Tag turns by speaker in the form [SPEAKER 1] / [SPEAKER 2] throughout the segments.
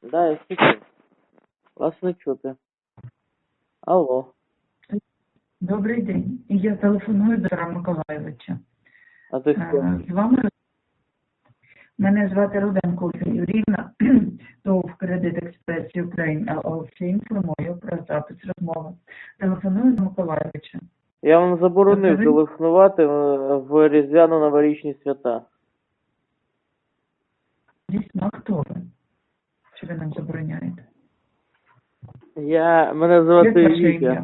[SPEAKER 1] Да, я слухаю. Вас не чути. Алло.
[SPEAKER 2] Добрий день. Я телефоную до Петра Миколайовича.
[SPEAKER 1] А ти хто?
[SPEAKER 2] З вами мене звати Руденко Ольга Юріївна, ТОВ «Кредит Експрес Юкрейн ЛЛС» інформую про запис розмови. Телефоную до Миколайовича.
[SPEAKER 1] Я вам заборонив
[SPEAKER 2] Тобто ви-
[SPEAKER 1] телефонувати в різдвяно-новорічні свята.
[SPEAKER 2] Дійсно, а хто ви? Чи ви нам забороняєте?
[SPEAKER 1] Мене
[SPEAKER 2] Як
[SPEAKER 1] звати
[SPEAKER 2] ваше
[SPEAKER 1] Вітя.
[SPEAKER 2] ім'я?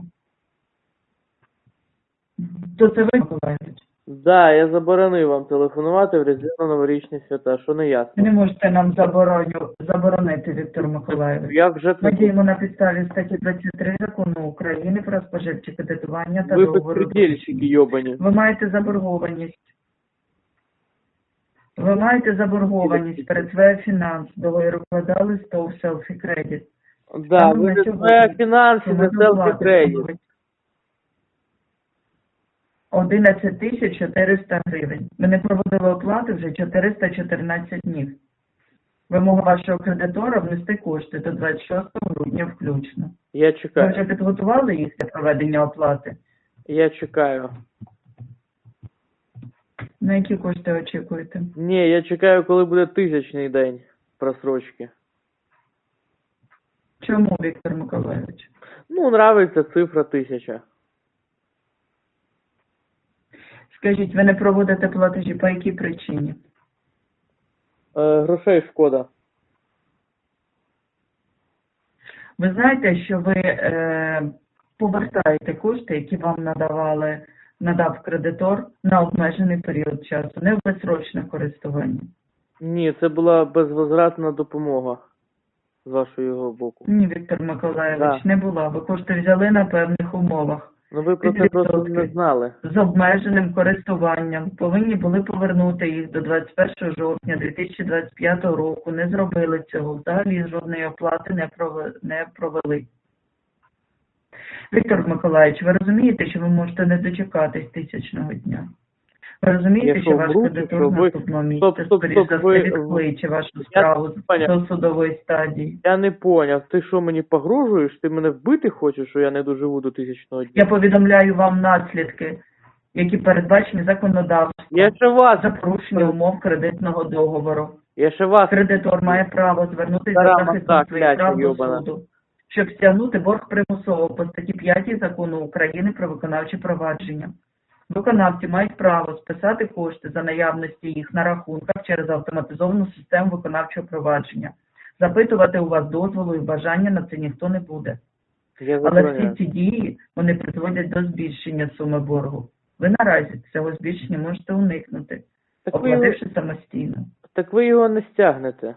[SPEAKER 2] То це ви, Миколайович?
[SPEAKER 1] Да, я заборонив вам телефонувати в різдвяно-новорічні свята, що не
[SPEAKER 2] Ви
[SPEAKER 1] ясно.
[SPEAKER 2] не можете нам заборонити, Віктор Миколайович.
[SPEAKER 1] Як же
[SPEAKER 2] Ми
[SPEAKER 1] це?
[SPEAKER 2] діємо на підставі статті 23 Закону України про споживче кредитування та
[SPEAKER 1] Ви
[SPEAKER 2] договору.
[SPEAKER 1] безпредельщики йобані.
[SPEAKER 2] Ви маєте заборгованість. Ви маєте заборгованість перед своєю фінанс. Договір укладали з ТОВ «Селфі Кредит».
[SPEAKER 1] Да, ви не своя фінанси, не селфі-кредит.
[SPEAKER 2] 11 тисяч 400 гривень. Ми не проводили оплати вже 414 днів. Вимога вашого кредитора внести кошти до 26 грудня включно.
[SPEAKER 1] Я
[SPEAKER 2] Ви
[SPEAKER 1] чекаю.
[SPEAKER 2] вже підготували їх для проведення оплати?
[SPEAKER 1] Я чекаю.
[SPEAKER 2] На які кошти очікуєте?
[SPEAKER 1] Ні, я чекаю, коли буде 1000-й день просрочки.
[SPEAKER 2] Чому, Віктор Миколайович?
[SPEAKER 1] Ну, нравиться цифра 1000.
[SPEAKER 2] Скажіть, ви не проводите платежі по якій причині?
[SPEAKER 1] Грошей шкода.
[SPEAKER 2] Ви знаєте, що ви повертаєте кошти, які вам надав кредитор на обмежений період часу, не в безсрочне користування?
[SPEAKER 1] Ні, це була безвозвратна допомога з вашого боку.
[SPEAKER 2] Ні, Віктор Миколайович,
[SPEAKER 1] Да.
[SPEAKER 2] не була. Ви кошти взяли на певних умовах.
[SPEAKER 1] Ну ви про це просто не знали.
[SPEAKER 2] З обмеженим користуванням. Повинні були повернути їх до 21 жовтня 2025 року. Не зробили цього. Взагалі жодної оплати не провели. Віктор Миколаївич, ви розумієте, що ви можете не дочекатись 1000-го дня? Ви розумієте,
[SPEAKER 1] Я
[SPEAKER 2] що
[SPEAKER 1] що,
[SPEAKER 2] ваш
[SPEAKER 1] вру,
[SPEAKER 2] кредитор
[SPEAKER 1] що
[SPEAKER 2] в
[SPEAKER 1] ви-
[SPEAKER 2] наступному місяці,
[SPEAKER 1] Стоп,
[SPEAKER 2] скоріш за
[SPEAKER 1] ви-
[SPEAKER 2] все, відкличе вашу справу
[SPEAKER 1] поняв.
[SPEAKER 2] до судової стадії?
[SPEAKER 1] Я не поняв. Ти що, мені погрожуєш? Ти мене вбити хочеш, що я не доживу до 1000-го дня?
[SPEAKER 2] Я повідомляю вам наслідки, які передбачені законодавством
[SPEAKER 1] Я ще вас,
[SPEAKER 2] за порушення умов кредитного договору.
[SPEAKER 1] я ще вас.
[SPEAKER 2] Кредитор має право звернутися
[SPEAKER 1] Стара
[SPEAKER 2] за захистом
[SPEAKER 1] моста,
[SPEAKER 2] своїх
[SPEAKER 1] кляча
[SPEAKER 2] прав до
[SPEAKER 1] йобана.
[SPEAKER 2] суду, щоб стягнути борг примусово по статті 5 Закону України про виконавче провадження. Виконавці мають право списати кошти за наявності їх на рахунках через автоматизовану систему виконавчого провадження. Запитувати у вас дозволу і бажання на це ніхто не буде.
[SPEAKER 1] Я
[SPEAKER 2] Але
[SPEAKER 1] забороняю.
[SPEAKER 2] всі ці дії, вони призводять до збільшення суми боргу. Ви наразі цього збільшення можете уникнути,
[SPEAKER 1] Так ви, його,
[SPEAKER 2] оплативши самостійно.
[SPEAKER 1] так ви його не стягнете.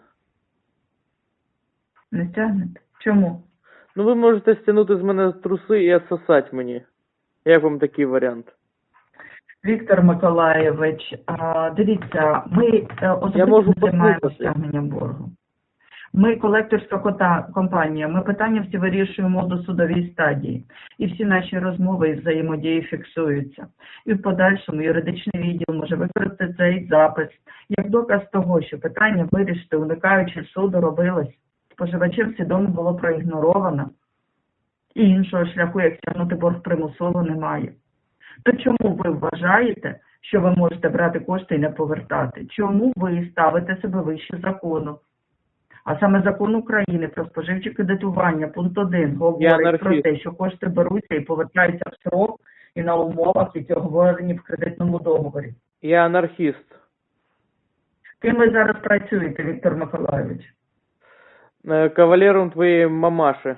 [SPEAKER 2] Не стягнете? Чому?
[SPEAKER 1] Ну ви можете стягнути з мене труси і отсосати мені. Як вам такий варіант?
[SPEAKER 2] Віктор Миколайович, дивіться, ми
[SPEAKER 1] Я
[SPEAKER 2] особисто
[SPEAKER 1] можу
[SPEAKER 2] не займаємося
[SPEAKER 1] послухати.
[SPEAKER 2] стягненням боргу. Ми колекторська компанія, ми питання всі вирішуємо до судовій стадії. І всі наші розмови і взаємодії фіксуються. І в подальшому юридичний відділ може використати цей запис як доказ того, що питання вирішити, уникаючи суду, робилось. Споживачів свідомо було проігноровано. І іншого шляху, як стягнути борг примусово, немає. То чому ви вважаєте, що ви можете брати кошти і не повертати? Чому ви ставите себе вище закону? А саме Закон України про споживче кредитування, пункт 1, говорить про те, що кошти беруться і повертаються в срок і на умовах, які оговорені в кредитному договорі.
[SPEAKER 1] Я анархіст.
[SPEAKER 2] Ким ви зараз працюєте, Віктор Миколайович?
[SPEAKER 1] Кавалером твоєї мамаші.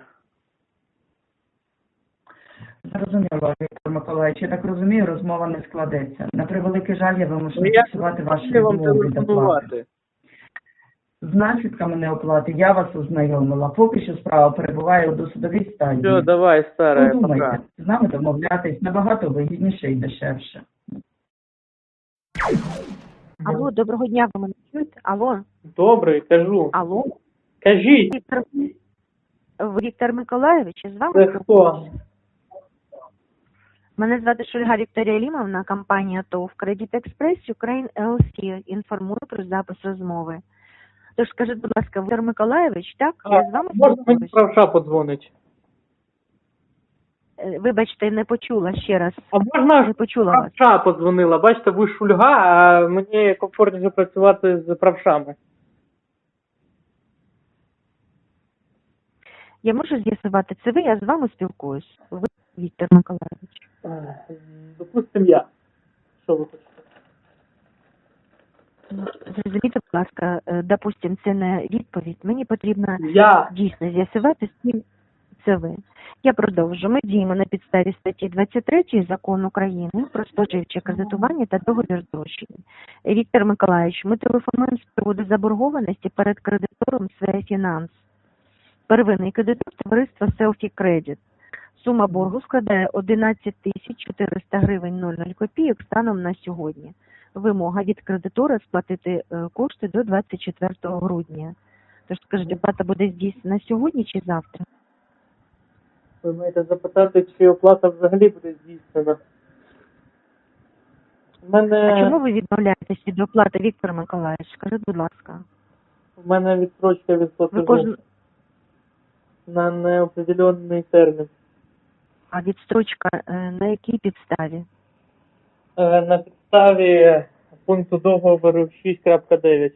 [SPEAKER 2] Зрозуміло, Віктор Миколайович. Я так розумію, розмова не складеться. На превеликий жаль, я вимушена
[SPEAKER 1] Ну, я
[SPEAKER 2] фіксувати ваші
[SPEAKER 1] не вам
[SPEAKER 2] відмови від оплати.
[SPEAKER 1] телефонувати.
[SPEAKER 2] З наслідками неоплати я вас ознайомила. Поки що справа перебуває у досудовій стадії.
[SPEAKER 1] Все, давай, старая,
[SPEAKER 2] Подумайте,
[SPEAKER 1] пока.
[SPEAKER 2] з нами домовлятись набагато вигідніше і дешевше.
[SPEAKER 3] Алло, доброго дня, ви мене чуєте? Алло,
[SPEAKER 1] Добрий, кажу.
[SPEAKER 3] алло.
[SPEAKER 1] Кажіть,
[SPEAKER 3] Віктор Миколайович, з вами?
[SPEAKER 1] це хто?
[SPEAKER 3] Мене звати Шульга Вікторія Лімовна, компанія ТОВ «Кредит Експрес Юкрейн ЛЛС». Інформую про запис розмови. Тож скажіть, будь ласка, Віктор Миколайович, так? Я з вами
[SPEAKER 1] Можна мені
[SPEAKER 3] спілкуюсь?
[SPEAKER 1] правша подзвонить?
[SPEAKER 3] Вибачте, не почула ще раз.
[SPEAKER 1] А можна
[SPEAKER 3] Не почула вас.
[SPEAKER 1] правша подзвонила? Бачите, ви шульга, а мені комфортніше працювати з правшами.
[SPEAKER 3] Я можу з'ясувати, це ви, я з вами спілкуюсь. Ви, Віктор Миколайович.
[SPEAKER 1] Допустим, я. Що ви хочете?
[SPEAKER 3] Ну, зрозумійте, будь ласка, допустим, це не відповідь. Мені потрібно
[SPEAKER 1] Я.
[SPEAKER 3] дійсно з'ясувати, з ким це ви. Я продовжу. Ми діємо на підставі статті 23 Закону України про споживче кредитування та договір зрощення. Віктор Миколайович, ми телефонуємо з приводу заборгованості перед кредитором «Свея Фінанс». Первинний кредитор товариства «Селфі Кредит». Сума боргу складає 11 400 гривень 00 копійок станом на сьогодні. Вимога від кредитора сплатити кошти до 24 грудня. Тож скажіть, оплата буде здійснена сьогодні чи завтра?
[SPEAKER 1] Ви маєте запитати, чи оплата взагалі буде здійснена.
[SPEAKER 3] А чому ви відмовляєтесь від оплати, Віктор Миколаївич? Скажіть, будь ласка.
[SPEAKER 1] У мене відстрочка від
[SPEAKER 3] Ви
[SPEAKER 1] платежу на неопределенний термін.
[SPEAKER 3] А відстрочка на якій підставі?
[SPEAKER 1] На підставі пункту договору 6.9.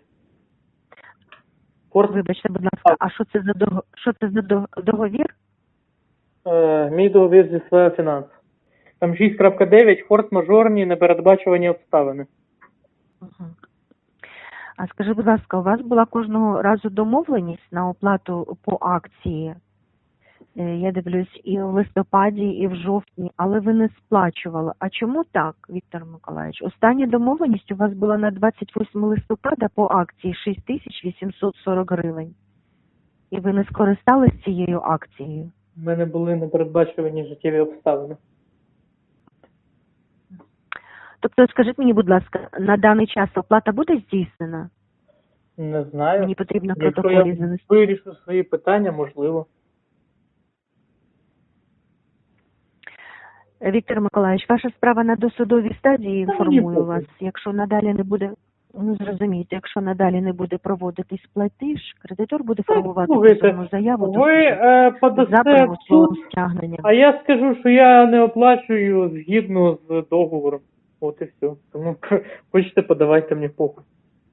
[SPEAKER 3] Вибачте, будь ласка, а що це за договір?
[SPEAKER 1] Мій договір зі «Своя Фінанс». Там 6.9 форс-мажорні непередбачувані обставини.
[SPEAKER 3] Угу. А скажи, будь ласка, у вас була кожного разу домовленість на оплату по акції? Я дивлюсь, і в листопаді, і в жовтні, але ви не сплачували. А чому так, Віктор Миколаївич? Остання домовленість у вас була на 28 листопада по акції 6840 гривень. І ви не скористались цією акцією?
[SPEAKER 1] У мене були непередбачувані життєві обставини.
[SPEAKER 3] Тобто, скажіть мені, будь ласка, на даний час оплата буде здійснена?
[SPEAKER 1] Не знаю.
[SPEAKER 3] Мені потрібно в
[SPEAKER 1] Якщо
[SPEAKER 3] протоколі
[SPEAKER 1] я
[SPEAKER 3] занести.
[SPEAKER 1] вирішу свої питання, можливо.
[SPEAKER 3] Віктор Миколаївич, ваша справа на досудовій стадії,
[SPEAKER 1] Та
[SPEAKER 3] інформую
[SPEAKER 1] мені
[SPEAKER 3] вас. Якщо надалі не буде, ну зрозумійте, якщо надалі не буде проводитись платіж, кредитор буде формувати
[SPEAKER 1] слухайте,
[SPEAKER 3] позовну заяву до
[SPEAKER 1] Ви
[SPEAKER 3] суду за
[SPEAKER 1] подасте в
[SPEAKER 3] примусовим
[SPEAKER 1] суд,
[SPEAKER 3] стягненням.
[SPEAKER 1] а я скажу, що я не оплачую згідно з договором. От і все. Тому хочете, подавайте мені похуй.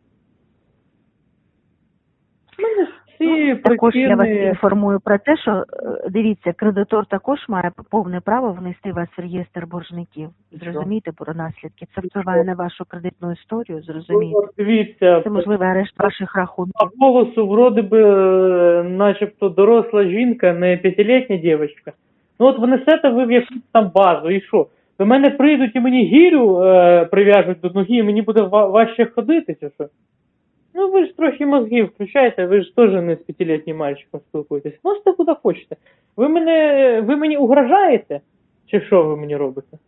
[SPEAKER 1] У мене ж всі
[SPEAKER 3] Також я вас
[SPEAKER 1] причини...
[SPEAKER 3] інформую про те, що, дивіться, кредитор також має повне право внести вас в реєстр боржників. Зрозумійте про наслідки. Це впливає на вашу кредитну історію, зрозумійте.
[SPEAKER 1] Ну, дивіться,
[SPEAKER 3] Це можливий арешт ваших рахунків.
[SPEAKER 1] по голосу вроде би начебто доросла жінка, не п'ятилітня дівчинка. Ну от ви несете ви в якусь там базу, і що? До мене прийдуть і мені гірю прив'яжуть до ноги, і мені буде важче ходити, чи що? Ну ви ж трохи мозги включаєте, ви ж теж не з п'ятилітнім мальчиком спілкуєтесь. Можете куди хочете. Ви мені угрожаєте? Чи що ви мені робите?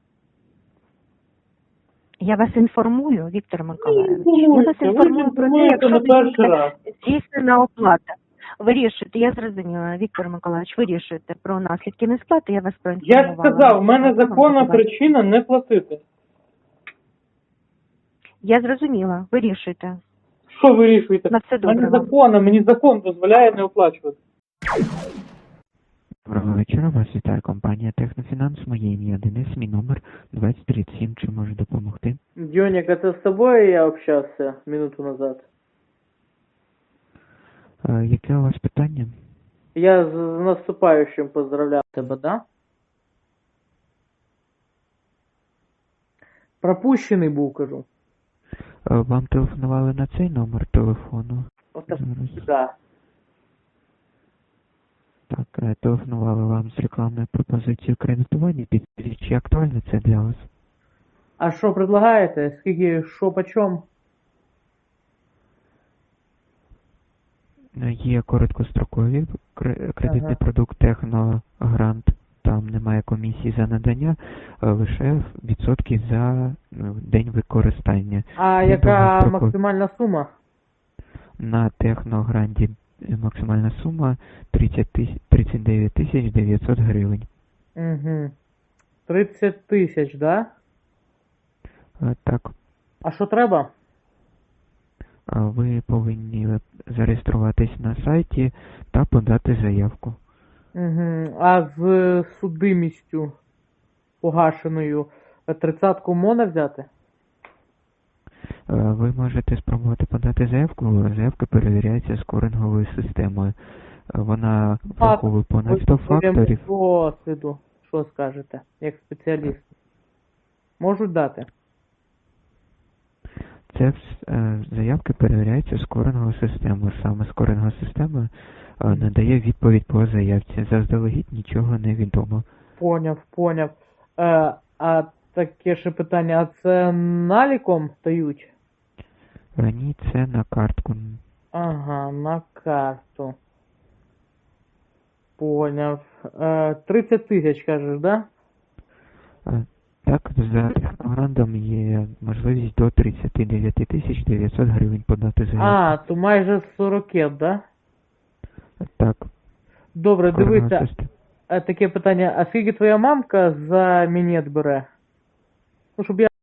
[SPEAKER 3] Я вас інформую, Віктор Миколаївич.
[SPEAKER 1] Ну,
[SPEAKER 3] Я вас
[SPEAKER 1] ви
[SPEAKER 3] інформую про те,
[SPEAKER 1] інформуєте
[SPEAKER 3] якщо
[SPEAKER 1] на перший
[SPEAKER 3] буде
[SPEAKER 1] раз.
[SPEAKER 3] здійснена оплата. Вирішуйте, я зрозуміла, Віктор Миколаївич, вирішуйте про наслідки несплати, я вас проінформувала.
[SPEAKER 1] Я ж сказав, в мене законна причина не платити.
[SPEAKER 3] Я зрозуміла, вирішуйте.
[SPEAKER 1] Що ви вирішуєте?
[SPEAKER 3] На все
[SPEAKER 1] В мене
[SPEAKER 3] добре вам.
[SPEAKER 1] законно, мені закон дозволяє не оплачувати.
[SPEAKER 4] Доброго вечора, вас вітає компанія Технофінанс. Моє ім'я Денис, мій номер 2037. Чи можу допомогти?
[SPEAKER 1] Дьоник, это с тобой я общался минуту назад?
[SPEAKER 4] Яке у вас питання?
[SPEAKER 1] Я с наступающим поздравлял тебя, да? Пропущений був, кажу.
[SPEAKER 4] Вам телефонували на цей номер телефону?
[SPEAKER 1] От
[SPEAKER 4] Зараз.
[SPEAKER 1] да.
[SPEAKER 4] Так, телефонували вам з рекламною пропозицією кредитування. Підскажіть, чи актуально це для вас?
[SPEAKER 1] А що предлагаєте? Скільки, що почем?
[SPEAKER 4] Є короткострокові кредитний продукт Техногрант. Там немає комісії за надання, лише відсотки за день використання.
[SPEAKER 1] А
[SPEAKER 4] Є
[SPEAKER 1] яка
[SPEAKER 4] довгострокові.
[SPEAKER 1] максимальна сума?
[SPEAKER 4] На Техногранді максимальна сума 39 900 гривень.
[SPEAKER 1] Угу. 30 тисяч, да?
[SPEAKER 4] Так,
[SPEAKER 1] А що треба?
[SPEAKER 4] Ви повинні зареєструватись на сайті та подати заявку.
[SPEAKER 1] Угу. А з судимістю погашеною 30-ку можна взяти?
[SPEAKER 4] Ви можете спробувати подати заявку. Заявка перевіряється скоринговою системою. Вона враховує понад 100 факторів.
[SPEAKER 1] Досвіду, що скажете, як спеціаліст? Можуть дати?
[SPEAKER 4] Заявки перевіряються скоринговою системою. Саме скорингова система надає відповідь по заявці. Заздалегідь нічого не відомо.
[SPEAKER 1] Поняв. А таке ще питання, а це наліком дають?
[SPEAKER 4] Ні, це на картку.
[SPEAKER 1] Ага, на карту. Поняв. 30 тисяч, кажеш, да?
[SPEAKER 4] Так, за технограндом є можливість до 39 900 гривень подати заявку.
[SPEAKER 1] А, то майже 40, да?
[SPEAKER 4] Так.
[SPEAKER 1] Добре,
[SPEAKER 4] Скоринова
[SPEAKER 1] дивися,
[SPEAKER 4] система.
[SPEAKER 1] таке питання, а скільки твоя мамка за мінет бере? Ну, щоб я